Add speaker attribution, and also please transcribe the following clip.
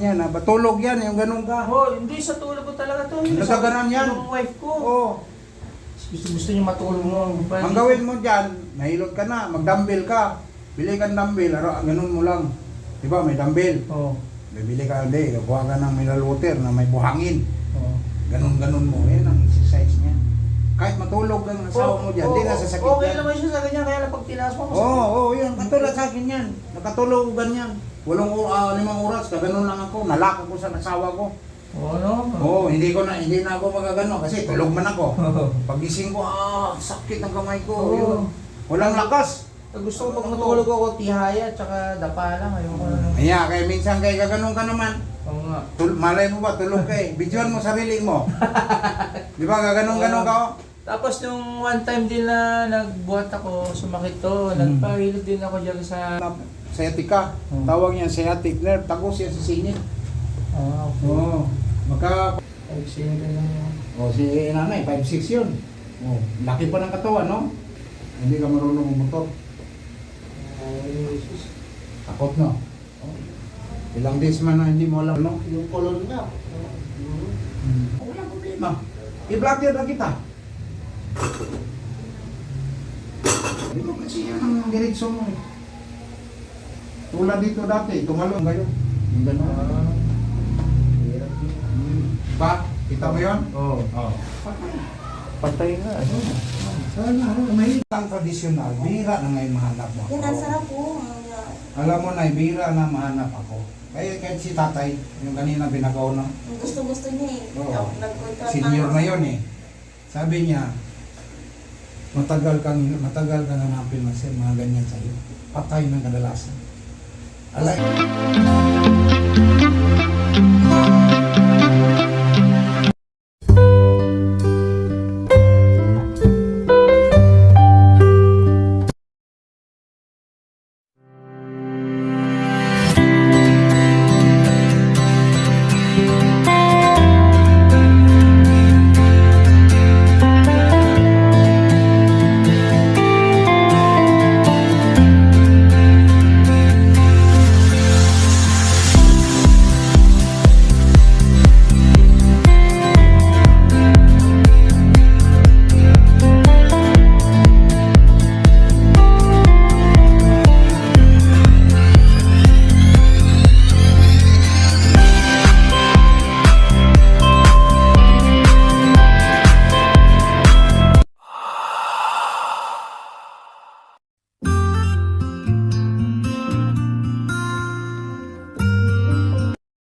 Speaker 1: niya na batulog yan, yung ganun ka.
Speaker 2: Oh, hindi sa tulog ko talaga to.
Speaker 1: Nagkaganan yan.
Speaker 2: Yung wife ko.
Speaker 1: Oo.
Speaker 2: Gusto niya matulog mo.
Speaker 1: Ang gawin mo dyan, nahilot ka na, mag-dumbbell ka. Bili ka ng dumbbell, ganun mo lang. Diba, may dumbbell.
Speaker 2: Oo.
Speaker 1: Bibili ka, hindi, kuha ka ng mineral water na may buhangin.
Speaker 2: Oo.
Speaker 1: Ganun mo, yan ang exercise niya. Kahit matulog ang asawa mo dyan, hindi na sasakit
Speaker 2: okay
Speaker 1: yan.
Speaker 2: naman siya sa ganyan, kaya lang pag tinaas mo.
Speaker 1: Oo, yan. Katulad sa akin yan. Nakatulog ganyan. 5 oras, kaganon lang ako. Nalako ko sa asawa ko.
Speaker 2: Oo, no?
Speaker 1: Oo, hindi na ako magagano kasi tulog man ako. Pagising ko, sakit ng kamay ko.
Speaker 2: Oo.
Speaker 1: Yun. Walang lakas.
Speaker 2: Gusto ko pag matulog ako, tihaya, tsaka dapa lang. Ayoko na.
Speaker 1: Kaya, minsan kay gaganon ka naman.
Speaker 2: Oo nga.
Speaker 1: Malay mo ba, tulog ka eh. Bidyoan mo sarili mo. Di ba, gaganon ka oh.
Speaker 2: Tapos nung one time din na nagbuhat ako, sumakit to, nagpahilot din ako dyan sa...
Speaker 1: Sciatica. Tawag niya sciatic nerve. Tagos yan sa singit.
Speaker 2: Okay.
Speaker 1: Oo.
Speaker 2: Ay, sino ka lang yun?
Speaker 1: Si nanay, 5'6" yun. Laki pa ng katawan, no? Hindi ka marunong umumotor.
Speaker 2: Ay, sus.
Speaker 1: Takot, no? Ilang days man na hindi mo alam, no?
Speaker 2: Yung color niya.
Speaker 1: Walang problema. I-blocker na kita. Dito kasi yan ang diretso mo eh. Tulad dito dati, tumalong kayo. Yung gano'n. Ba? Kita mo yun?
Speaker 2: Oo. Patay na.
Speaker 1: Sana, may ang tradisyonal, bihira na ngayon mahanap mo.
Speaker 3: Yan, ang sarap po.
Speaker 1: Alam mo na, bihira na mahanap ako. Kaya kahit si tatay, yung kanina binagaw na,
Speaker 3: Gusto-gusto niya eh.
Speaker 1: Oo.
Speaker 3: Nag-contract
Speaker 1: senior na yun eh. Sabi niya, matagal kang hanapin mga ganyan sa'yo. Patay ng kadalasan. Alay.